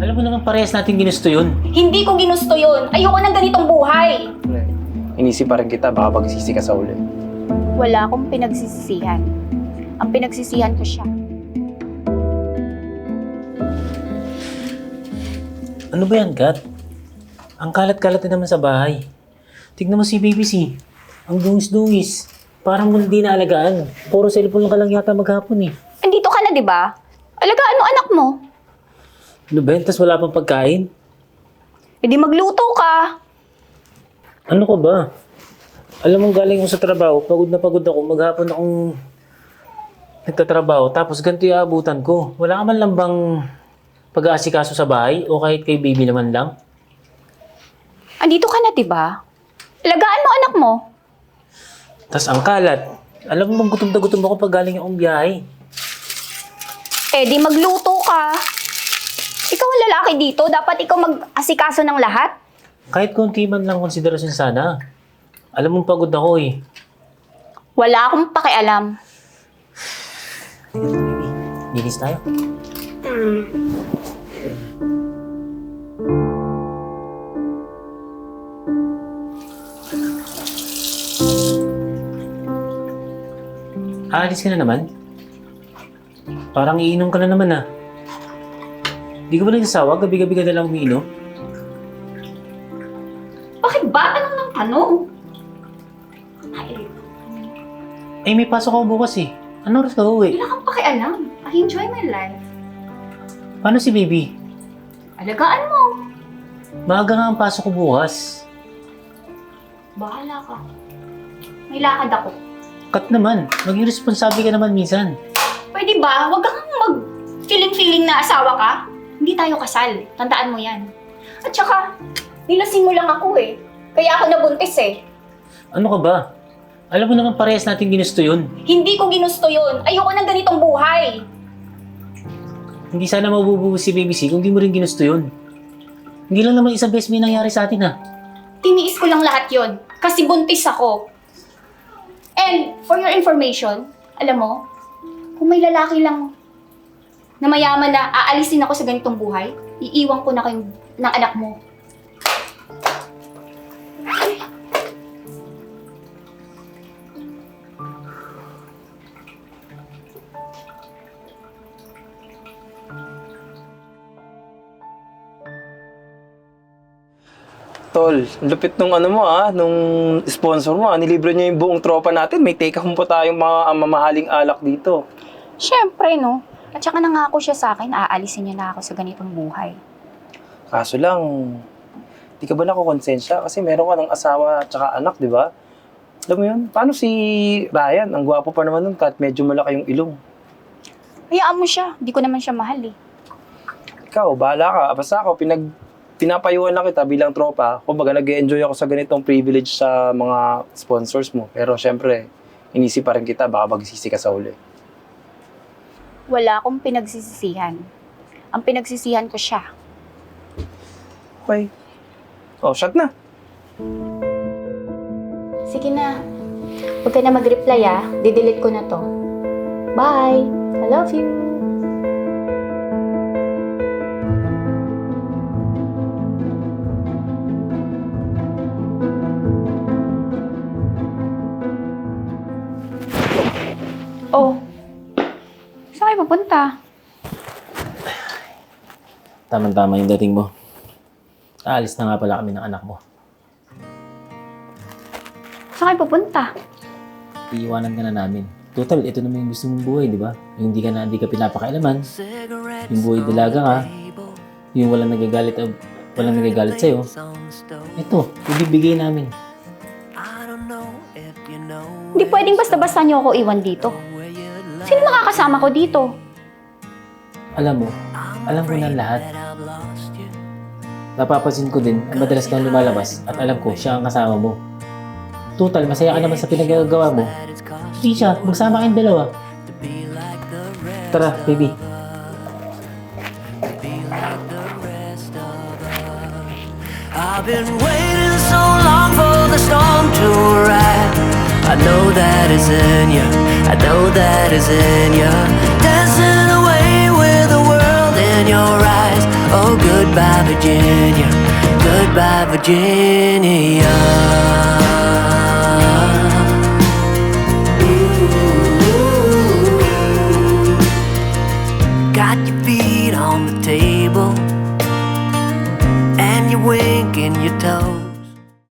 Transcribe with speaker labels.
Speaker 1: Alam mo naman parehas natin ginusto yun.
Speaker 2: Hindi ko ginusto yun. Ayoko ng ganitong buhay.
Speaker 3: Inisip pa rin kita, baka magsisi ka sa uli.
Speaker 2: Wala akong pinagsisisihan. Ang pinagsisihan ko siya.
Speaker 1: Ano ba yan, Kat? Ang kalat-kalat na naman sa bahay. Tignan mo si Baby C. Ang dungis-dungis. Parang mula di naalagaan. Puro cellphone ka lang yata maghapon eh.
Speaker 2: Andito ka na, di ba? Alagaan mo anak mo.
Speaker 1: Ano ba yan? Tas wala pang pagkain?
Speaker 2: E di magluto ka.
Speaker 1: Ano ka ba? Alam mo, galing ko sa trabaho, pagod na pagod ako, maghapon akong nagtatrabaho, tapos ganito yung aabutan ko. Wala ka man lang bang pag-aasikaso sa bahay o kahit kay baby naman lang?
Speaker 2: Andito ka na, di ba? Alagaan mo anak mo.
Speaker 1: Tas ang kalat. Alam mo bang gutom na gutom ako pag galing akong biyahe?
Speaker 2: Eh di magluto ka. Ikaw ang lalaki dito, dapat ikaw mag-asikaso ng lahat.
Speaker 1: Kahit konti man lang konsiderasyon sana. Alam mo pagod ako eh.
Speaker 2: Wala akong pakialam.
Speaker 1: Linis tayo. Aalis ka na naman? Parang iinom ka na naman ah. Di ka ba nagsasawa? Gabi-gabi ka na lang umiinom?
Speaker 2: Bakit ba? Tanong ng tanong?
Speaker 1: Eh, may pasok ako bukas eh. Ano oras ka uwi?
Speaker 2: Wala kang pakialam. I enjoy my life.
Speaker 1: Paano si baby?
Speaker 2: Alagaan mo.
Speaker 1: Maaga nga ang pasok ko bukas.
Speaker 2: Bahala ka. May lakad ako.
Speaker 1: Kat naman. Maging responsable ka naman minsan.
Speaker 2: Pwede ba? Huwag kang mag-feeling-feeling na asawa ka. Hindi tayo kasal. Tandaan mo yan. At saka, nilasing mo lang ako eh. Kaya ako nabuntis eh.
Speaker 1: Ano ka ba? Alam mo naman parehas natin ginusto yun.
Speaker 2: Hindi ko ginusto yun. Ayoko ng ganitong buhay.
Speaker 1: Hindi sana mabubuo si Baby C kung di mo rin ginusto yun. Hindi lang naman isang beses may nangyari sa atin ha.
Speaker 2: Tiniis ko lang lahat yon kasi buntis ako. And for your information, alam mo, kung may lalaki lang na mayaman na aalisin ako sa ganitong buhay, iiwan ko na kayo ng anak mo.
Speaker 3: Tol, ang lupit nung ano mo nung sponsor mo nilibre niya yung buong tropa natin. May take home pa tayong mga mamahaling alak dito.
Speaker 2: Siyempre, no? At saka nangako siya sa akin, aalisin niya na ako sa ganitong buhay.
Speaker 3: Kaso lang, di ka ba nakukonsensya? Kasi meron ka ng asawa at saka anak, di ba? Alam mo yun, paano si Ryan? Ang gwapo pa naman nun, kahit medyo malaki yung ilong.
Speaker 2: Hayaan mo siya, di ko naman siya mahal eh.
Speaker 3: Ikaw, bahala ka. Basta ako, pinapayuhan lang kita bilang tropa. Kumbaga, nag-enjoy ako sa ganitong privilege sa mga sponsors mo. Pero syempre, inisip pa rin kita, baka magsisi ka sa uli.
Speaker 2: Wala akong pinagsisisihan. Ang pinagsisihan ko siya.
Speaker 3: Okay. Oh, shot na.
Speaker 2: Sige na. Huwag ka na mag-reply Didelete ko na to. Bye! I love you! Oh. Saan kayo pupunta?
Speaker 1: Tama-tama yung dating mo. Aalis na nga pala kami ng anak mo.
Speaker 2: Saan kayo pupunta?
Speaker 1: Iiwanan ka na namin. Total, ito naman yung gusto mong buhay, di ba? Yung hindi ka pinapakailaman. Yung buhay dalaga ka. Yung walang nagagalit sa'yo. Ito, ibibigay namin.
Speaker 2: Hindi pwedeng basta-basta niyo ako iwan dito. Sino makakasama ko dito?
Speaker 1: Alam ko na lahat. Napapansin ko din, madalas kang lumalabas at alam ko, siya ang kasama mo. Total, masaya ka naman sa pinagagawa mo. Hindi siya, magsama kayong dalawa. Tara, baby.
Speaker 4: I've been waiting so long for the storm to arrive. I know that it's in you, I know that it's in you. Dancing away with the world in your eyes. Oh, goodbye, Virginia. Goodbye, Virginia. Got your feet on the table and you're winking your toes.